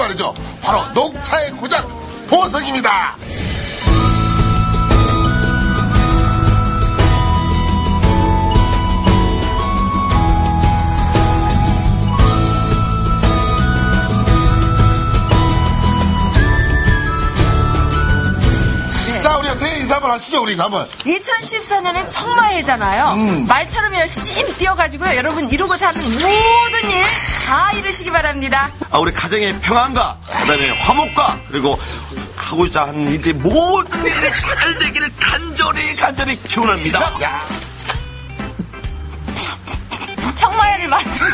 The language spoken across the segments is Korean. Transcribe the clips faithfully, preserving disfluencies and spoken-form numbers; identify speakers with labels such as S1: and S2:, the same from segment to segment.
S1: 말이죠. 바로 녹차의 고장 보석입니다. 자, 우리가 새해 인사 한번 하시죠. 우리 인사 한번.
S2: 이천십사 년엔 청마해잖아요.
S1: 음.
S2: 말처럼 열심히 뛰어가지고요. 여러분 이루고자 하는 모든 일 다 이루시기 바랍니다.
S3: 아, 우리 가정의 평안과 그다음에 화목과 그리고 하고자 하는 일들이 모든 일이 잘 되기를 간절히 간절히 기원합니다.
S1: 야.
S4: 청마회를 마치고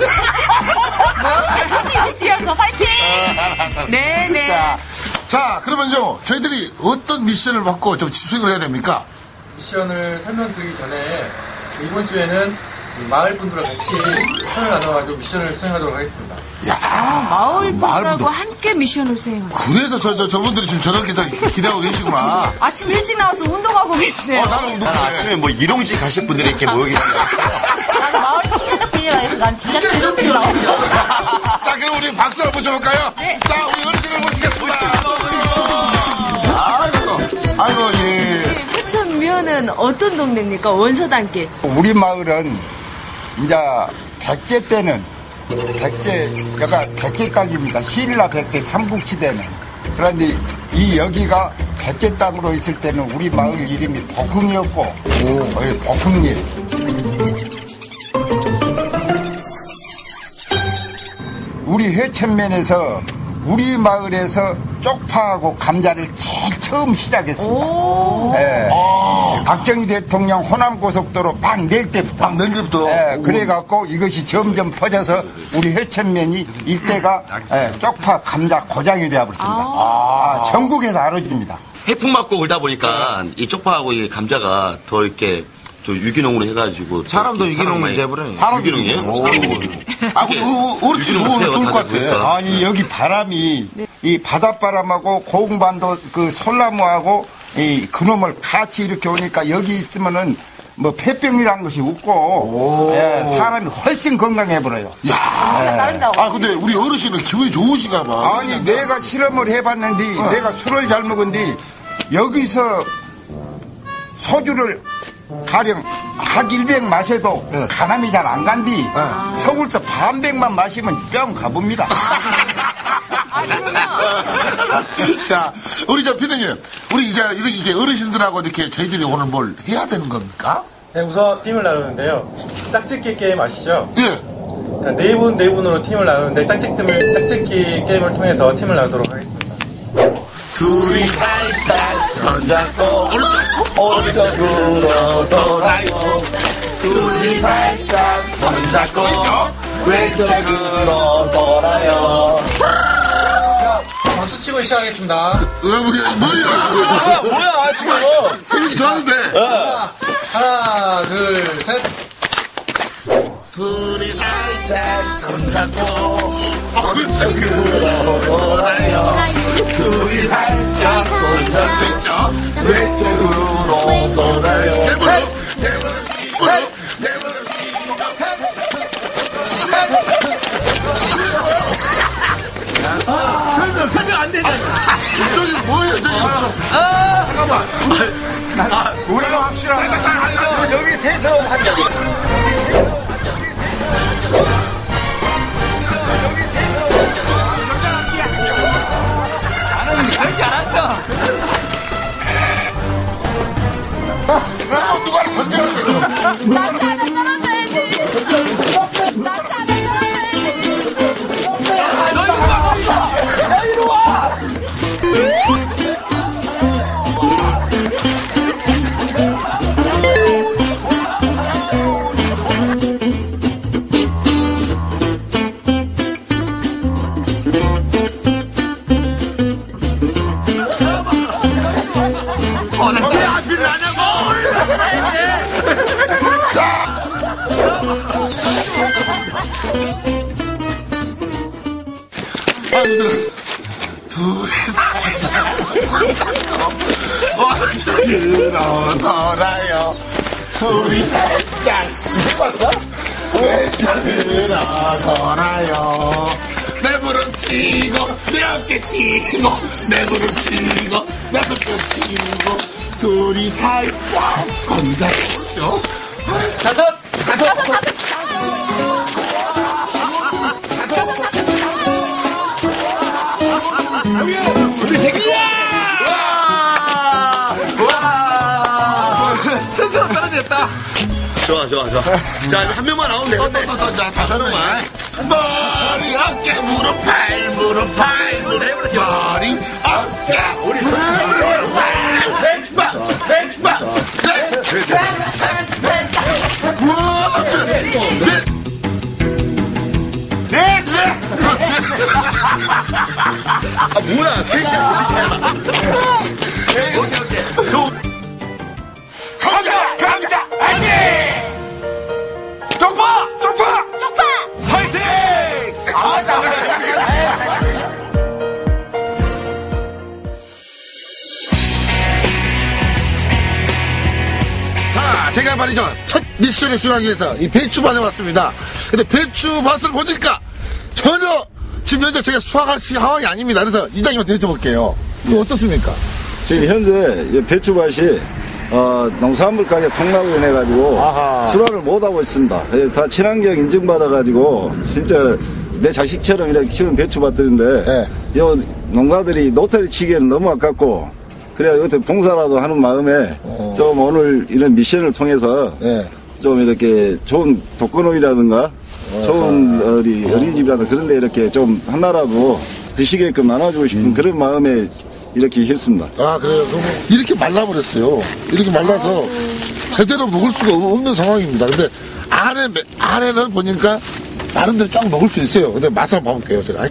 S4: 열심히 뛰어서 파이팅!
S2: 네네.
S1: 자, 자, 그러면요. 저희들이 어떤 미션을 받고 좀 수행을 해야 됩니까?
S5: 미션을 설명드리기 전에 이번 주에는 마을 분들과 같이 손을 나눠가지고 미션을 수행하도록 하겠습니다.
S1: 야,
S2: 아, 마을 분들하고
S1: 분들.
S2: 함께 미션을 수행하고.
S1: 그래서 저, 저, 저분들이 지금 저렇게 다 기대하고 계시구나.
S2: 아침 일찍 나와서 운동하고 계시네요.
S1: 어, 나는 운동
S3: 난 아침에 뭐 일용직 가실 분들이 이렇게 모여 계십니다.
S4: 나는 마을 청소년 빌리라 해서 난 진짜 제정필 나오죠.
S1: 자, 그럼 우리 박수 한번 쳐볼까요?
S2: 네.
S1: 자, 우리 어르신을 모시겠습니다. 아이고, 아이고, 예.
S2: 회천면은 어떤 동네입니까? 원서단길.
S6: 우리 마을은 이제 백제 때는 백제 여가 백제 땅입니다. 신라 백제 삼국시대는. 그런데 이 여기가 백제 땅으로 있을 때는 우리 마을 이름이 복흥이었고, 어, 복흥리. 우리 회천면에서 우리 마을에서 쪽파하고 감자를 제일 처음 시작했습니다. 예. 박정희 대통령 호남고속도로 막 낼 때부터.
S1: 막 낼 때부터.
S6: 예, 그래갖고 이것이 점점 퍼져서 우리 회천면이 일대가 예, 쪽파 감자 고장이 되어버렸습니다. 아, 전국에서 알아줍니다.
S3: 해풍 맞고 그러다 보니까 이 쪽파하고 이 감자가 더 이렇게 저 유기농으로 해가지고
S7: 사람도 유기농이 돼버려요.
S1: 사람
S3: 유기농이에요?
S1: 아, 근데 어, 어르신 그거 좋을 것 같아.
S6: 아니 여기 바람이 이 바닷바람하고 고흥반도 그 솔나무하고 이 그놈을 같이 이렇게 오니까 여기 있으면은 뭐 폐병이라는 것이 없고 예, 사람이 훨씬 건강해버려요.
S1: 야, 아 근데 우리 어르신은 기분이 좋으신가 봐.
S6: 아니 내가 실험을 해봤는데 내가 술을 잘 먹은데 여기서 소주를 가령 각 일백 마셔도
S1: 네.
S6: 간암이 잘 안 간디 서울서 반백만 마시면 뿅 가봅니다.
S1: 자, 우리 저 피디님, 우리 이제 이렇게 이제 어르신들하고 이렇게 저희들이 오늘 뭘 해야 되는 겁니까?
S5: 네, 우선 팀을 나누는데요. 짝짓기 게임 아시죠?
S1: 예.
S5: 그러니까 네 분, 네 분으로 팀을 나누는데 짝짓기, 짝짓기 게임을 통해서 팀을 나누도록 하겠습니다.
S1: 둘이 살짝 손잡고 오른쪽 오른쪽으로 돌아요. 둘이 살짝 손잡고 왼쪽 왼쪽으로 돌아요.
S5: 박수 치고 시작하겠습니다.
S1: 왜 뭐야 뭐야
S3: 아, 뭐야 지금
S1: 재밌게 좋았는데.
S5: 하나, 둘, 셋.
S1: 둘이 살짝 손잡고 오른쪽으로 돌아요. 둘이 살짝 손잡고 왼쪽으로 돌아요. 대무릎 대무릎 대무릎 대무릎
S8: 사정 안 되잖아.
S1: 저기 뭐예요 저기.
S8: 아, 잠깐만.
S6: 아, 우리가 확실하다. 여기 세서 한 적이.
S8: 나는 그럴 줄 알았어.
S1: 아, 누가 번쩍.
S4: 남자는 떨어져야지. 남자는 떨어져야지.
S8: 너 이리 와. 너 이리 와. 오늘 왜 앞이 나냐고.
S1: 아이들 둘이 살짝 손잡고 오른쪽으로 돌아요. 둘이 살짝 해봤어? 왼쪽으로 돌아요. 내 무릎 치고 내 어깨 치고 내 무릎 치고 내 손뼉 치고 둘이 살짝 손잡고 다섯 다섯 다섯
S8: 우리 새끼야! 스스로 떨어졌다.
S3: 좋아, 좋아, 좋아. 자, 한 명만 나오면 되겠네.
S1: 또, 또, 또, 자, 다섯 명만. 머리, 어깨, 무릎, 팔, 무릎, 팔, 무릎, 머리, 어깨, 우리 무릎, 팔, 백방, 백방, 넷, 셋, 셋, 넷, 우와, 넷, 넷, 넷.
S3: 아, 뭐야, 셋이야, 셋이야. 오케이, 오케이.
S1: 강자, 강자, 아니!
S8: 쪽파!
S4: 쪽파! 쪽파!
S3: 화이팅!
S1: 아, 나, 자, 제가 말이죠. 첫 미션을 수행하기 위해서 이 배추밭에 왔습니다. 근데 배추밭을 보니까 전혀 지금 현재 제가 수확할 상황이 아닙니다. 그래서 이장님한테 여쭤볼게요. 이거 어떻습니까?
S7: 지금 현재 배추밭이 어, 농산물 가격 폭락으로 인해 가지고
S1: 아하.
S7: 출하를 못 하고 있습니다. 다 친환경 인증받아 가지고 진짜 내 자식처럼 이렇게 키우는 배추밭들인데
S1: 네.
S7: 요 농가들이 노태리 치기에는 너무 아깝고 그래야 여기서 봉사라도 하는 마음에
S1: 어.
S7: 좀 오늘 이런 미션을 통해서
S1: 네.
S7: 좀 이렇게 좋은 독거노이라든가 좋은 어리, 어린이집이라든가 그런 데 이렇게 좀 하나라도 드시게끔 나눠주고 싶은 그런 마음에 이렇게 했습니다.
S1: 아, 그래요? 그럼 이렇게 말라버렸어요. 이렇게 말라서 제대로 먹을 수가 없는 상황입니다. 근데 안에, 안에는 보니까 나름대로 쫙 먹을 수 있어요. 근데 맛을 한번 봐볼게요, 제가.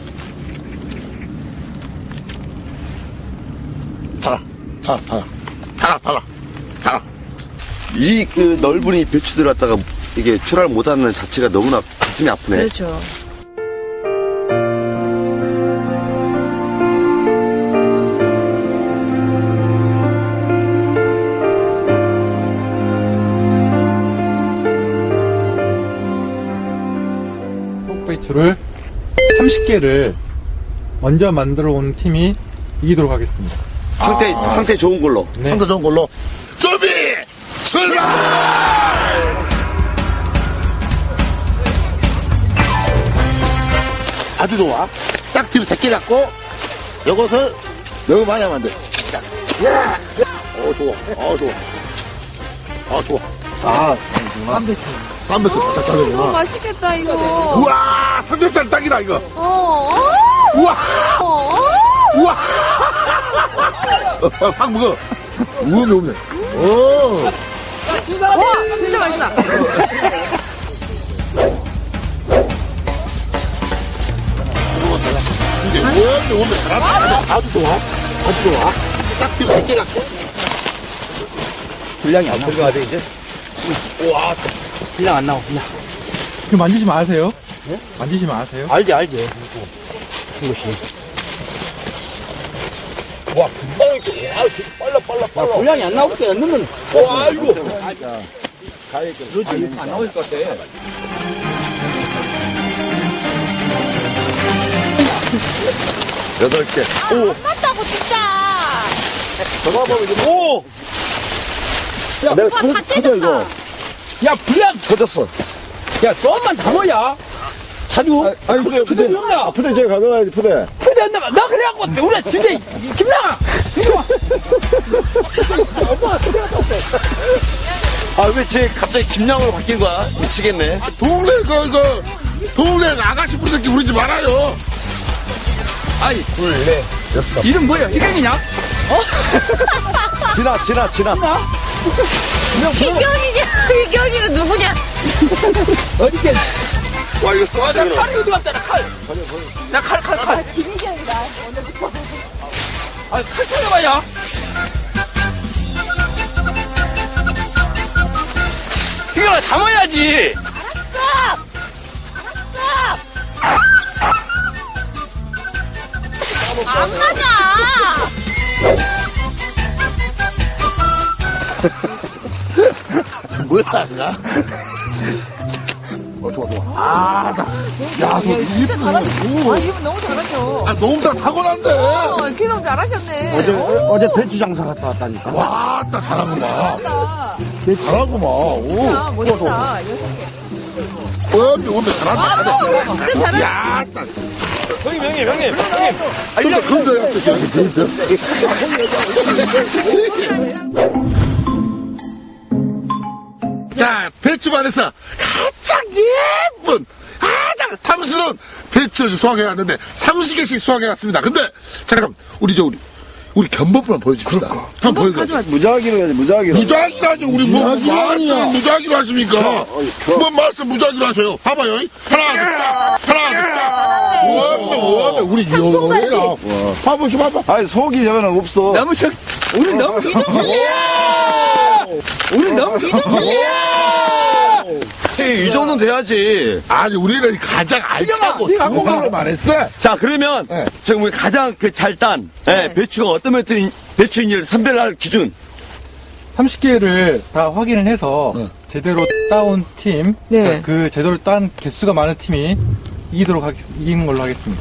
S1: 달아, 달아, 달아, 달아, 달아, 달아.
S3: 이 그 넓은 이 배추들 갖다가 이게 출하를 못하는 자체가 너무나 가슴이 아프네.
S2: 그렇죠.
S5: 배추를 삼십 개를 먼저 만들어 온 팀이 이기도록 하겠습니다.
S3: 상태, 상태 좋은 걸로.
S5: 네.
S1: 상태 좋은 걸로. 준비! 출발! 아주 좋아. 딱 뒤로 제끼 잡고, 이것을 너무 많이 하면 안 돼. 딱. 어, 좋아. 어, 좋아. 어, 좋아. 아, 쌈배추. 쌈배추 딱
S2: 어,
S1: 짜는구나.
S2: 맛있겠다, 이거.
S1: 우와! 삼겹살 딱이다, 이거.
S2: 어,
S1: 우와!
S2: 어,
S1: 우와! 어, 확 먹어. 우와, 매운네. 오!
S2: 와, 진짜 맛있다.
S1: 이제 원래 원래 잘한다. 아주 좋아. 아주 좋아. 딱 뒤로 백 개 갖고.
S8: 분량이 안 나와. 돼 이제. 와, 분량 안 나와. 분량.
S5: 그 만지지 마세요. 네? 만지지 마세요.
S8: 알지, 알지. 이것이. 와, 금방 이렇게. 와, 빨라, 빨라, 빨라. 야, 분량이 안 나올 때 넣으면. 와, 이거. 그렇지. 안 나올 것 같아.
S3: 여덟 개.
S4: 오! 맞다고 진짜!
S3: 저거 한번 이제, 오!
S8: 야,
S4: 오빠 다 찢었다.
S8: 야, 분량.
S3: 터졌어.
S8: 야, 조금만 더 넣어야. 자주.
S7: 아니,
S8: 그래, 그래, 그래.
S7: 푸대 제가 가져가야지, 푸대.
S8: 그래, 안 나, 나 그래갖고, 우리 진짜, 김나가! 이리 와! 엄마가 그래 갔다 왔대.
S3: 아, 왜 쟤 갑자기 김양으로 바뀐 거야? 미치겠네.
S1: 동네 그, 그, 동네 아가씨 부르기 부르지 말아요.
S8: 아이, 둘, 넷, 여섯. 이름 뭐야? 희경이냐? 어?
S3: 지나, 지나, 지나.
S8: 나?
S4: 희경이냐? 희경이는 누구냐?
S8: 어디게?
S3: 와, 이거
S8: 아, 나
S3: 쏘아주기로.
S8: 칼이 어디 갔다, 나 칼. 나 칼, 칼, 칼.
S4: 김희경이다.
S8: 아, 칼 찾아봐야. 희경아, 담아야지.
S4: 알았어! 알았어! 안 맞아!
S1: 뭐야, 나? 어, 좋아, 좋아.
S5: 아, 나. 야, 저
S2: 진짜 잘하셨어. 아, 이분 너무 잘하셔.
S1: 아, 너무 다 타고난데.
S2: 어, 기동 잘하셨네.
S8: 어제, 어, 어제 배추 장사 갔다 왔다니까.
S1: 와, 나 잘하구만.
S2: 멋있다.
S1: 잘하구만. 오.
S2: 아, 멋있다. 여섯 개.
S1: 어, 오늘 잘한다.
S2: 아, 진짜 잘하셨어.
S1: 야, 나.
S8: 형님, 형님, 형님, 형님.
S1: 근데 근데 자, 배추반에서 가장 예쁜 가장 탐스러운 배추를 수확해 왔는데 삼십 개씩 수확해 왔습니다. 근데 잠깐 우리 저 우리 우리 견본부만 보여줍시다. 한번 보여줘.
S7: 무작위로 해야지, 무작위로.
S1: 무작위로 하죠. 우리 뭐 말씀 무작위로 하십니까? 뭐 말씀 무작위로 하세요. 봐봐요. 하나, 둘, 짝. 하나, 둘, 짝. 뭐하면 뭐하면 우리 영어래라. 봐봐, 좀 봐봐.
S7: 아니, 속이 저거는 없어.
S8: 너무 저, 우리 너무 이동이야! 우리 너무 이동이야!
S3: 이 정도는 돼야지.
S1: 아니 우리는 가장 알차고 좋은 걸로 말했어.
S3: 자, 그러면
S1: 네.
S3: 지금 우리 가장 그 잘 딴
S2: 네.
S3: 배추가 어떤 배추인, 배추인지를 선별할 기준.
S5: 삼십 개를 다 확인을 해서
S1: 네.
S5: 제대로 따온 팀,
S2: 네.
S5: 그 제대로 딴 개수가 많은 팀이 이기도록 하겠, 이기는 걸로 하겠습니다.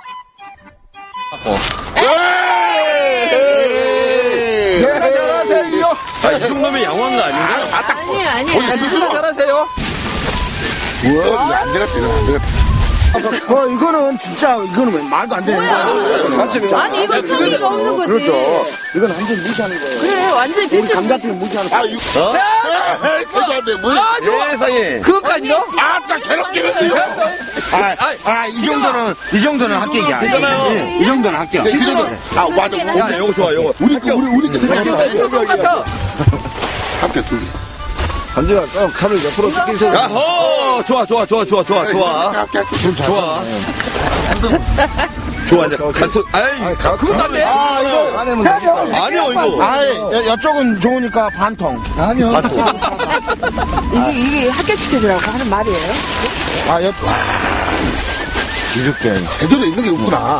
S8: 잘하세요.
S3: 아, 이 정도면 양호한 거 아닌가?
S2: 아니에요, 아니에요.
S8: 스스로 잘하세요.
S1: 우와, 이거 안 되겠다, 이거 안 되겠다.
S8: 어, 이거는 진짜, 이거는 말도 안 되는 거야.
S2: 아니, 이건 성의가 없는 거지.
S8: 그렇죠. 이건 완전 무시하는 거예요.
S2: 그래, 완전히
S8: 우리
S2: 배추.
S8: 감자튀김 무시하는 거야.
S1: 아, 이거. 에이, 그거 안 돼, 뭐야.
S3: 세상에.
S8: 그것까지요?
S1: 아, 나 괴롭게 했어요.
S8: 아, 아, 이 정도는, 이 정도는 합격이야.
S3: 되잖아요.
S8: 이 정도는 합격.
S1: 그 정도. 아, 맞아.
S3: 야, 요거 좋아, 요거.
S1: 우리 거, 우리, 우리 거 생각했어.
S8: 이거 똑같아.
S1: 합격 두 개.
S7: 반지가 좀 칼을 옆으로 뜯기세요.
S3: 야호! 좋아, 좋아, 좋아, 좋아, 좋아, 좋아.
S1: 합격, 합격.
S3: 좋아. 좋아, 이제 갈수, 아이,
S8: 그것도 안 돼.
S7: 아, 이거 안 하면 되니까.
S3: 아니요, 이거.
S8: 아이, 이쪽은 좋으니까 반통.
S7: 아니요.
S2: 이게, 이게 합격시켜주라고 하는 말이에요?
S8: 아, 옆,
S1: 이렇게 제대로 있는 게 없구나.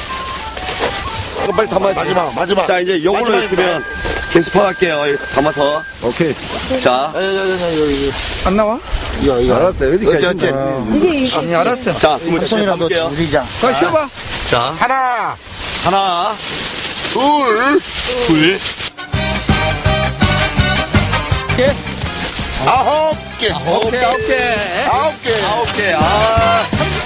S3: 이거 빨리 담아.
S1: 마지막, 마지막.
S3: 자, 이제 요걸로
S1: 마지막입니다.
S3: 있으면 계속할게요. 이렇게 담아서.
S7: 오케이.
S3: 자.
S1: 야, 야, 야, 야, 이거,
S8: 안 나와?
S1: 이거, 이거.
S7: 알았어요. 어디까지.
S1: 어째, 어째.
S2: 이게, 이게.
S8: 아니, 알았어.
S3: 자, 그러면
S8: 손이라도
S3: 담을게요.
S8: 줄이자. 자, 쉬어봐.
S3: 자,
S1: 하나,
S3: 하나,
S1: 둘,
S3: 둘,
S8: 개.
S1: 아홉 개.
S8: 오케이, 오케이.
S1: 아홉 개.
S3: 아홉 개. 아.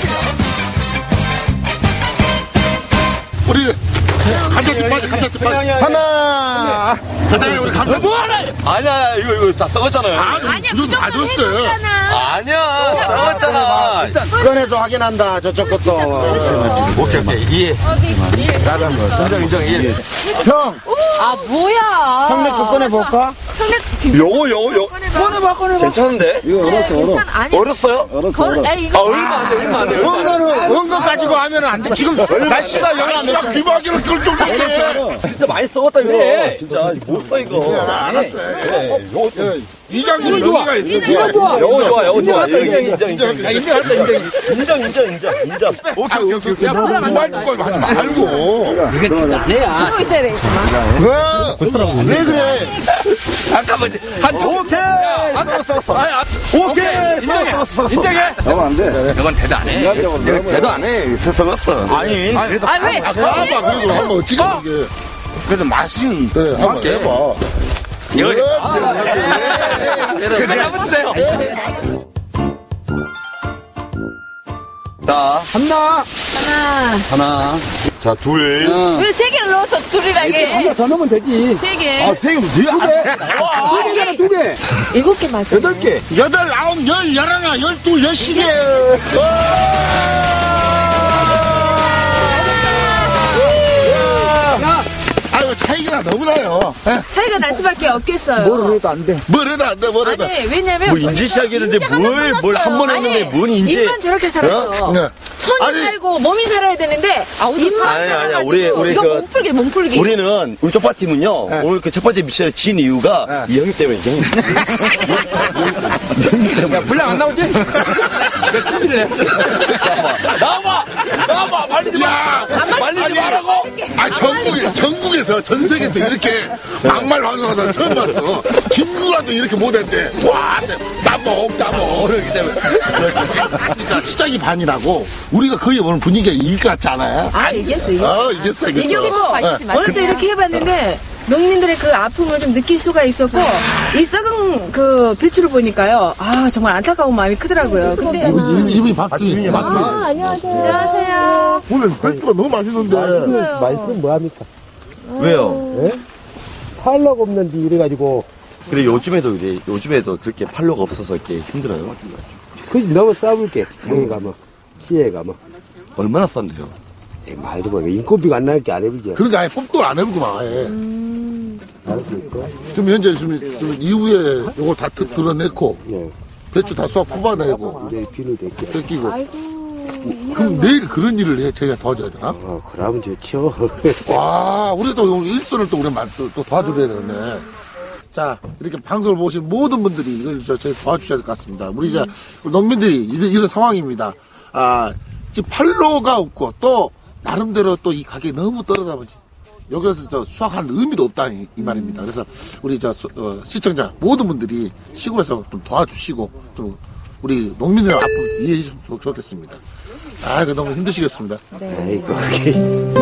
S1: 우리, 감자튀김 빠져, 감자튀김 빠져.
S8: 하나.
S1: 가자, 우리 감자.
S8: 뭐하나?
S3: 아니야, 이거, 이거 다 썩었잖아요.
S2: 아니야,
S1: 이거
S2: 무조건
S1: 놔줬어요.
S2: 해줬잖아.
S3: 아니야, 썩었잖아.
S8: 꺼내서 확인한다, 저쪽 것도.
S3: 오케이, 오케이. 이해. 인정, 인정, 이해.
S8: 형,
S2: 아, 뭐야.
S8: 형네 거 꺼내볼까?
S2: 형네 지금.
S3: 요거, 요거, 요.
S2: 꺼내봐, 꺼내봐.
S3: 괜찮은데?
S7: 이거 얼었어, 얼어.
S2: 괜찮아. 아니,
S3: 얼었어요?
S7: 얼었어,
S2: 걸,
S7: 얼어.
S2: 에
S3: 아,
S2: 이거.
S3: 얼마 안 돼, 얼마 안 돼. 얼마 안 돼.
S8: 원거는, 원거 가지고 하면 안 돼. 지금 날씨가 영하 몇
S1: 야, 귀마개를 끌 정도인데.
S3: 진짜 많이 썩었다, 이거.
S8: 그래.
S3: 진짜, 못 써, 이거.
S1: 알았어.
S3: 그래, 요거,
S1: 이장님 여기가 있어.
S8: 이거 좋아.
S3: 요거 좋아, 요거 좋아.
S8: 인정, 인정,
S3: 인정, 인정, 인정.
S8: 인정했다, 인정.
S3: 인정, 인정, 인정, 인정.
S1: 오케이, 오케이, 오케이. 말 듣고 하지 말고.
S8: 이게 안 해야.
S2: 하고 있어야 돼.
S8: 왜, 왜 그래?
S3: 잠깐만, 한 조. 오케이! 오케이!
S8: 인정해. 인정해.
S7: 나면 안 돼.
S3: 이건 대도 안 해.
S7: 인간적으로 너무
S3: 대도 안 해. 썩었어.
S8: 아니, 그래도,
S2: 아, 왜?
S1: 아, 봐봐. 그래도 한번 어찌게 이게.
S8: 그래도 맛이.
S1: 그래, 한번 해봐.
S3: 이거,
S8: 그래, 잡아주세요.
S3: 자,
S8: 하나.
S2: 하나.
S3: 하나. 자, 둘.
S2: 왜 세 개를 넣어서 둘이라게 해?
S8: 더 넣으면 되지.
S2: 세 개.
S3: 아, 세 개, 두 개.
S2: 두 개.
S8: 두 개.
S2: 일곱 개 맞아.
S8: 여덟 개.
S1: 여덟, 아홉, 열, 열하나, 열둘, 열시계. 아유, 차이가 너무 나요.
S2: 차이가 날 수밖에 없겠어요.
S8: 뭐를 해도 안 돼.
S1: 뭘 해도 안 돼, 뭘 해도.
S2: 아니, 왜냐면.
S3: 뭐 인지 시작했는데
S2: 인지가
S3: 뭘,
S2: 한번
S3: 뭘 한 번
S2: 몰랐어요.
S3: 했는데
S2: 아니,
S3: 뭔 인지.
S2: 입만 저렇게 살았어.
S1: 네.
S2: 손이
S1: 아니.
S2: 살고 몸이 살아야 되는데 입만
S3: 아니, 아니,
S2: 살아가지고
S3: 우리, 우리
S2: 이거
S3: 그-
S2: 몸풀기 몸풀기.
S3: 우리는, 우리 쪽파팀은요,
S1: 네.
S3: 오늘 그 첫 번째 미션을 진 이유가 이 형님 때문에, 이 형님.
S8: 야, 분량 안 나오지? 내 투질래.
S3: 나와봐! 나와봐! 말리지 마!
S1: 야!
S3: 말리지
S1: 아니,
S3: 말라고!
S1: 아, 전국에, 전국에 세계에서, 전 세계에서 이렇게 막말 방송하다 처음 봤어. 김구라도 이렇게 못했대. 와, 따먹, 따먹. 이렇게 되면. 그러니까 시작이 반이라고, 우리가 거의 오늘 분위기가 이길 것 같지 않아요?
S2: 아, 이겼어, 이겼어.
S1: 어, 이겼어, 이겼어.
S2: 이겼고, 오늘 또 이렇게 해봤는데, 농민들의 그 아픔을 좀 느낄 수가 있었고, 이 썩은 그 배추를 보니까요, 아, 정말 안타까운 마음이 크더라고요. 근데.
S1: 이분이, 이분이 박주인, 박주인.
S2: 아, 안녕하세요. 안녕하세요.
S1: 오늘 배추가 너무 맛있는데.
S9: 맛있으면 뭐합니까?
S3: 왜요?
S9: 예? 팔로가 없는지 이래가지고.
S3: 그래, 요즘에도 이래, 요즘에도 그렇게 팔로가 없어서 이렇게 힘들어요.
S9: 그지 너무 싸울게. 장에 가면, 시에 가면.
S3: 얼마나 싼데요?
S9: 에이, 말도 뭐, 인건비가 안 나니까 안 해보죠.
S1: 그러니까 아예 뽑도 안 해보구만, 아예.
S2: 음.
S9: 알수 있어?
S1: 지금 현재 지금, 지금 이후에 요걸 다 드, 드러냈고,
S9: 예.
S1: 배추 다 쏘아 뽑아내고,
S9: 이제 비누 댔게.
S1: 뜯기고.
S2: 아이고.
S1: 그럼 내일 그런 일을 해, 저희가 도와줘야 되나?
S9: 어, 그러면 좋죠.
S1: 와, 우리도 일선을 또, 우리 또, 또 도와줘야 되겠네. 자, 이렇게 방송을 보신 모든 분들이 이걸 저, 저희 도와주셔야 될 것 같습니다. 우리 이제, 우리 농민들이 이런, 이런 상황입니다. 아, 지금 팔로가 없고, 또, 나름대로 또 이 가격이 너무 떨어다 보지. 여기서 저 수확하는 의미도 없다, 이, 이 말입니다. 그래서 우리 저, 어, 시청자 모든 분들이 시골에서 좀 도와주시고, 좀 우리 농민들의 아픔 이해해 주시면 좋겠습니다. 아, 이거 너무 힘드시겠습니다.
S2: 네.
S9: 아이고, 그게.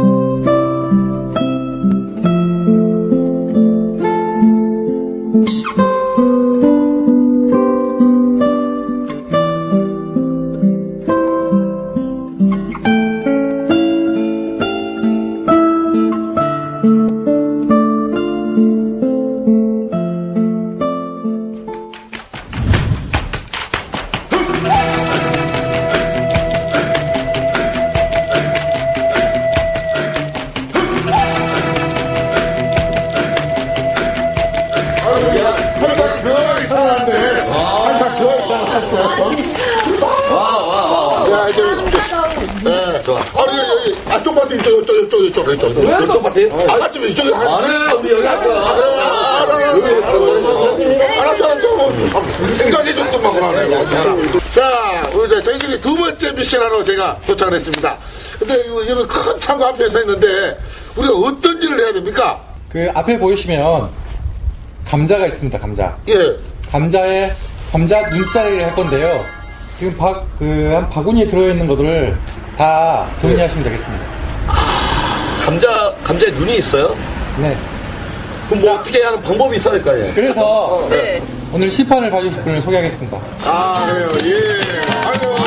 S3: 이쪽 밭에?
S1: 아, 맞지, 이쪽에 한.
S3: 아, 우리 여기 할 거야.
S1: 아, 그래, 아, 알았어, 알았어, 알았어. 생각해 좀 좀 하네. 자, 우리 이제 저희들이 두 번째 미션하러 제가 도착을 했습니다. 근데 이거, 이거는 큰 창고 앞에 서 있는데, 우리가 어떤 일을 해야 됩니까?
S5: 그 앞에 보이시면 감자가 있습니다. 감자.
S1: 예.
S5: 감자에 감자 눈자리를 할 건데요. 지금 바, 그, 한 바구니에 들어있는 것들을 다 정리하시면 되겠습니다.
S3: 감자, 감자에 눈이 있어요?
S5: 네.
S3: 그럼 뭐 어떻게 하는 방법이 있어야 될 거 아니에요?
S5: 그래서
S2: 네.
S5: 오늘 시판을 봐주실 분을 소개하겠습니다.
S1: 아, 그래요. 예. 아이고.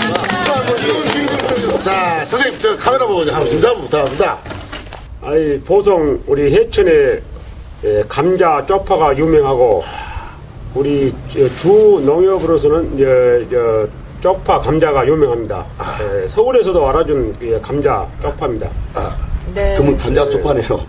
S1: 자, 선생님, 저 카메라 보고 한번 인사 한번 부탁합니다.
S10: 아이, 보성, 우리 해천에 예, 감자 쪽파가 유명하고, 우리 주 농협으로서는 예, 저, 쪽파 감자가 유명합니다. 예, 서울에서도 알아준 예, 감자 쪽파입니다.
S2: 네.
S3: 그러면 감자 쪽파네요.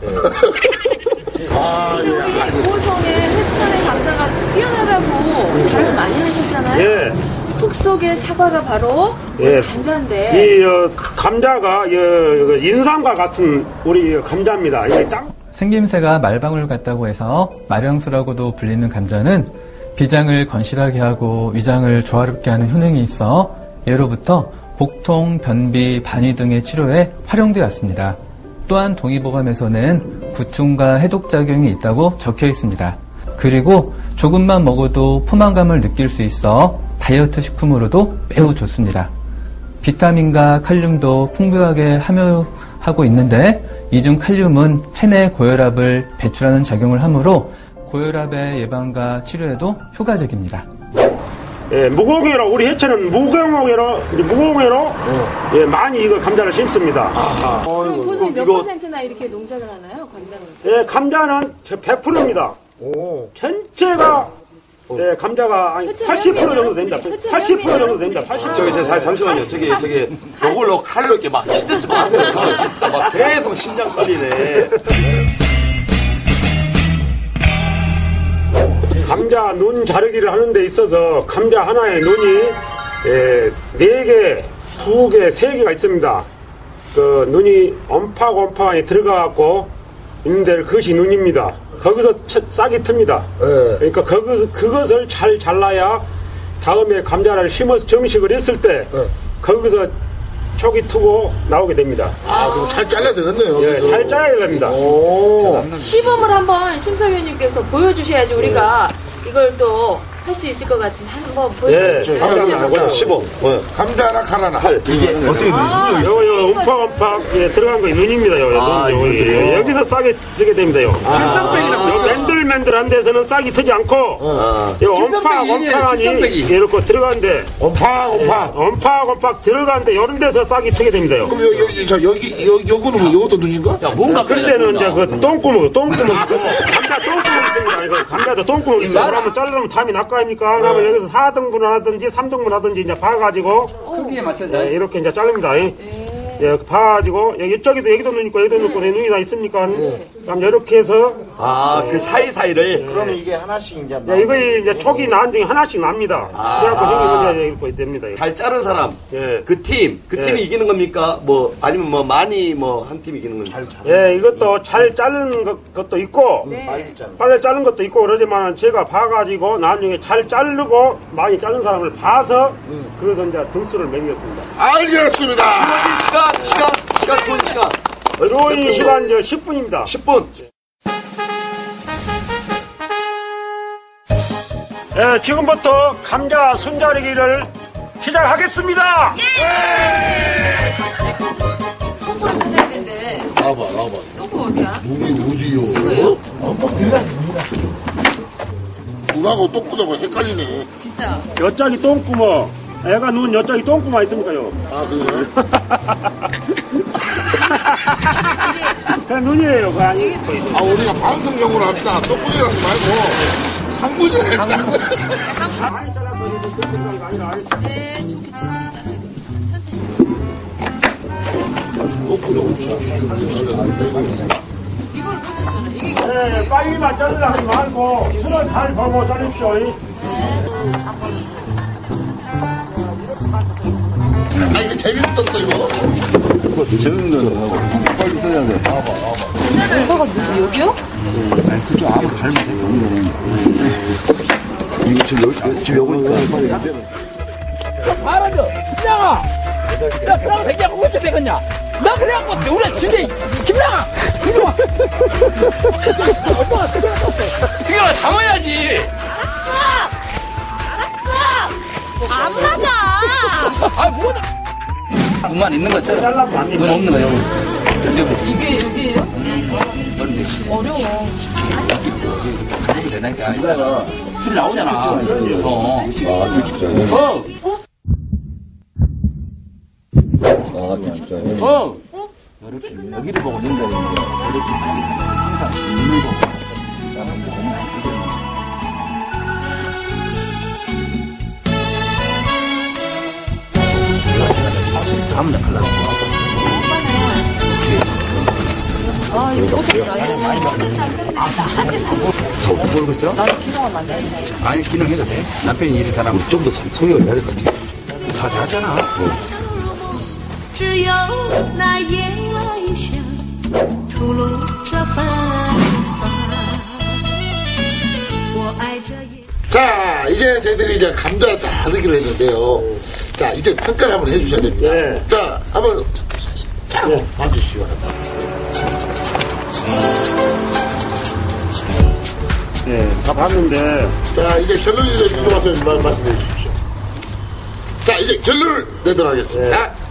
S1: 아,
S2: 우리
S1: 예.
S2: 보성의 해천의 감자가 뛰어나다고 자랑을 많이 하셨잖아요.
S10: 예.
S2: 톡 속의 사과가 바로
S10: 예.
S2: 감자인데.
S10: 이 어, 감자가 어, 인삼과 같은 우리 감자입니다. 이 땅.
S11: 생김새가 말방울 같다고 해서 마령수라고도 불리는 감자는 비장을 건실하게 하고 위장을 조화롭게 하는 효능이 있어 예로부터 복통, 변비, 반위 등의 치료에 활용되어 왔습니다. 또한 동의보감에서는 구충과 해독작용이 있다고 적혀 있습니다. 그리고 조금만 먹어도 포만감을 느낄 수 있어 다이어트 식품으로도 매우 좋습니다. 비타민과 칼륨도 풍부하게 함유하고 있는데 이 중 칼륨은 체내 고혈압을 배출하는 작용을 하므로 고혈압의 예방과 치료에도 효과적입니다.
S10: 예, 무공해로 우리 해천은 무공해로 무공해로 어. 예, 많이 이거 감자를 심습니다.
S2: 그럼 보성 몇 퍼센트나 이렇게 농작을 하나요? 감자를?
S10: 예, 감자는 백 퍼센트입니다.
S1: 오.
S10: 전체가 예, 감자가 아니 팔십 퍼센트 정도 됩니다. 팔십 퍼센트 정도 됩니다. 팔십 퍼센트.
S3: 저기, 저, 잠시만요. 저기, 저기, 요걸로 칼로 이렇게 막 휘젓지 마세요. 저는 진짜 막 계속 심장 떨리네.
S10: 감자 눈 자르기를 하는 데 있어서 감자 하나의 눈이 예, 네 개, 두 개, 세 개가 있습니다. 그 눈이 엄파엄파에 들어가갖고 있는데 그것이 눈입니다. 거기서 싹이 틉니다.
S1: 네.
S10: 그러니까 거기서, 그것을 잘 잘라야 다음에 감자를 심어서 정식을 했을 때
S1: 네.
S10: 거기서 촉이 트고 나오게 됩니다.
S1: 아, 그럼 잘 잘라야 되겠네요.
S10: 예, 잘 짜야 됩니다.
S1: 오.
S2: 시범을 한번 심사위원님께서 보여주셔야지 우리가 이걸 또 할 수 있을 것 같은데 한번 보여주시겠어요?
S1: 예,
S3: 아, 시범. 네.
S1: 감자 하나, 칼 하나.
S3: 칼. 이게 어떻게
S2: 아,
S10: 요, 요, 움팍움팍, 예, 들어간 거 눈입니다, 요.
S3: 아,
S10: 눈, 요,
S3: 이거
S10: 예, 여기서 싹이 트게 됩니다, 요.
S8: 실성백이라고
S10: 요 맨들맨들한 데서는 싹이 트지 않고,
S3: 아.
S10: 요, 엄팍, 엄팍하니, 이렇게 들어간데,
S1: 엄팍, 엄팍.
S10: 엄팍, 엄팍 들어간데, 요런 데서 싹이 트게 됩니다, 요.
S1: 그럼 여, 여기, 저, 여기, 여, 요거는 뭐, 요것도 눈인가?
S8: 야, 뭔가
S10: 그럴 때는 이제 그 똥구멍, 똥구멍 있고, 감자 똥구멍 있습니다. 이거 감자도 똥구멍 있어요. 그러면 자르면 담이 낚아입니까? 그러면 여기서 사 등분 하든지 삼 등분 하든지 이제 봐가지고,
S8: 크기에 맞춰서.
S10: 예, 이렇게 이제 자릅니다. 예, 봐가지고, 여기 이쪽에도 여기도 눈 있고, 여기도 눈 있고, 내 눈이 다 있습니까? 그럼 이렇게 해서,
S3: 아, 그 사이사이를.
S6: 그러면 이게 하나씩 이제
S10: 예, 이거 이제 촉이 난 중에 하나씩 납니다. 그래갖고 생기면 이제 이렇게 됩니다.
S3: 잘 자른 사람.
S10: 예.
S3: 그 팀. 그
S10: 예.
S3: 팀이 이기는 겁니까? 뭐, 아니면 뭐, 많이 뭐, 한 팀이 이기는 겁니까?
S10: 예, 이것도 잘 자른 것- 것도 있고, 빨리 자른 것도 있고, 그러지만 제가 봐가지고, 나중에 잘 자르고, 많이 자른 사람을 봐서, 그래서 이제 등수를 매겼습니다.
S1: 알겠습니다.
S3: 시간, 시간, 시간, 좋은 시간.
S10: 어려운 시간 이제 십 분입니다.
S3: 십 분.
S10: 예, 지금부터 감자 손자르기를 시작하겠습니다!
S2: 똥구를 쓴다 했는데
S1: 나와봐, 나와봐.
S2: 똥구 어디야?
S1: 눈이 어디요? 엄청 들어가, 눈하고 똥구하고 헷갈리네.
S2: 진짜
S10: 여짝이 똥구멍, 애가 눈 여짝이 똥구멍 있습니까요?
S1: 아, 그래요?
S10: 그냥 눈이에요, 그거 아니.
S1: 아, 우리가 방송용으로 합시다. 똥구리를 하지 말고. 항문이라 했다.
S10: 많이 잘라서 이제 똥구멍이 아니라.
S2: 네, 좋게
S1: 똥구리하고 잘랐는데.
S2: 이걸 놓쳤잖아. 이게
S10: 네, 빨리만 자르려 하지 말고, 손을 잘 보고 자릅시오.
S1: 아, 이거 재밌었어, 이거.
S7: 재밌는 거는 하고 빨리 써야 돼.
S1: 나와봐, 나와봐.
S2: 이거가 누구 여기요?
S7: 아니 그쪽 아무 잘못 했던 이거 지금 여기 지금 여기니까
S8: 말하죠. 김양아! 야, 그랑 백이하고 어째 되겠냐? 나 그래갖고, 우리 진짜, 김양아! 이리 와! 엄마가 그게 담아야지!
S4: 안 맞아.
S8: 아, 뭐다! 눈만 있는 거 써라. 눈 없는 거, 여기.
S2: 이게 여기예요? 어려워.
S8: 하면 되니까. 줄 나오잖아. 어.
S7: 아 진짜요?
S8: 어!
S7: 아 진짜요?
S8: 어!
S7: 이렇게 여기를 보고 된다 이렇게 항상 눈을 보고 나는 너무
S8: 아무나 달라고.
S2: 아, 이거
S8: 저 모르겠어요? 나는 기능을 만들어. 아니, 기능해도 돼. 남편이 일을 잘하면 좀 더 통역을 해야 될 것 같아. 다 잘하잖아.
S12: 只有那夜来香吐露着芬芳，我爱这夜。
S1: 자, 이제 저희들이 이제 감자 다르기를 했는데요. 자, 이제 평가를 한번 해주셔야 됩니다.
S10: 네.
S1: 자, 한번, 자, 한번 봐주시기 바랍니다.
S10: 네, 다 봤는데.
S1: 자, 이제 결론을 좀 와서 말씀해 주십시오. 자, 이제 결론을 내도록 하겠습니다.